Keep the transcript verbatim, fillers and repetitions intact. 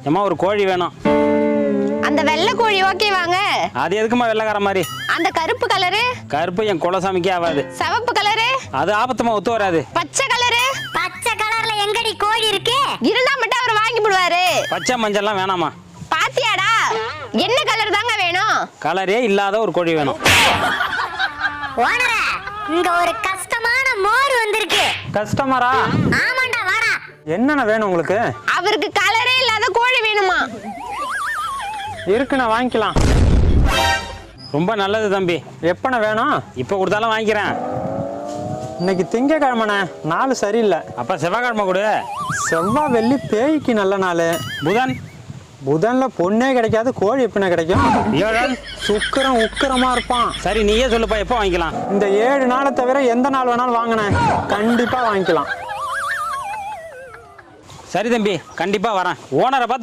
ஏமா ஒரு கோழி வேணும். அந்த வெள்ளை கோழி ஓகே வாங்க. அது எதுக்குமா வெள்ளைக்கார மாதிரி? அந்த கருப்பு கலரு? கருப்பு என் குலசாமிக்கே ஆகாது. சிவப்பு கலரு? அது ஆபத்துமா ஒத்து வராது. பச்சை கலரு? பச்சை கலர்ல எங்கடி கோழி இருக்கு? இருந்தா மட்டும் அவர் வாங்கி போடுவாரு. பச்சை மஞ்சள்லாம் வேணாமா? பாத்தியாடா, என்ன கலர் தாங்க வேணும்? கலரே இல்லாத ஒரு கோழி வேணும். ஓனரே, இங்க ஒரு கஷ்டமான மோர் வந்திருக்கு. கஸ்டமரா? ஆமாண்டா, வாடா. என்னென்ன வேணும் உங்களுக்கு? அவருக்கு கலரே இல்லாத கோழி வேணுமா? இருக்குண்ணா, வாங்கிக்கலாம். ரொம்ப நல்லது தம்பி. எப்பண்ண வேணும்? இப்போ கொடுத்தாலும் வாங்கிக்கிறேன். இன்னைக்கு திங்கக்கிழமைண்ணே, நாலு சரியில்லை. அப்போ செவ்வாய்க்கிழமை கொடு. செவ்வாய் வெள்ளி பேய்க்கு நல்ல நாள். புதன்? புதன்ல பொண்ணே கிடைக்காது, கோழி எப்படிண்ணே கிடைக்கும்? ஏழன்? சுக்கிரம் உக்கிரமா இருப்பான். சரி நீயே சொல்லுப்பா, எப்போ வாங்கிக்கலாம்? இந்த ஏழு நாளை தவிர எந்த நாள் வேணாலும் வாங்கினேன், கண்டிப்பா வாங்கிக்கலாம். சரி தம்பி, கண்டிப்பா வரேன். ஓனரை பார்த்து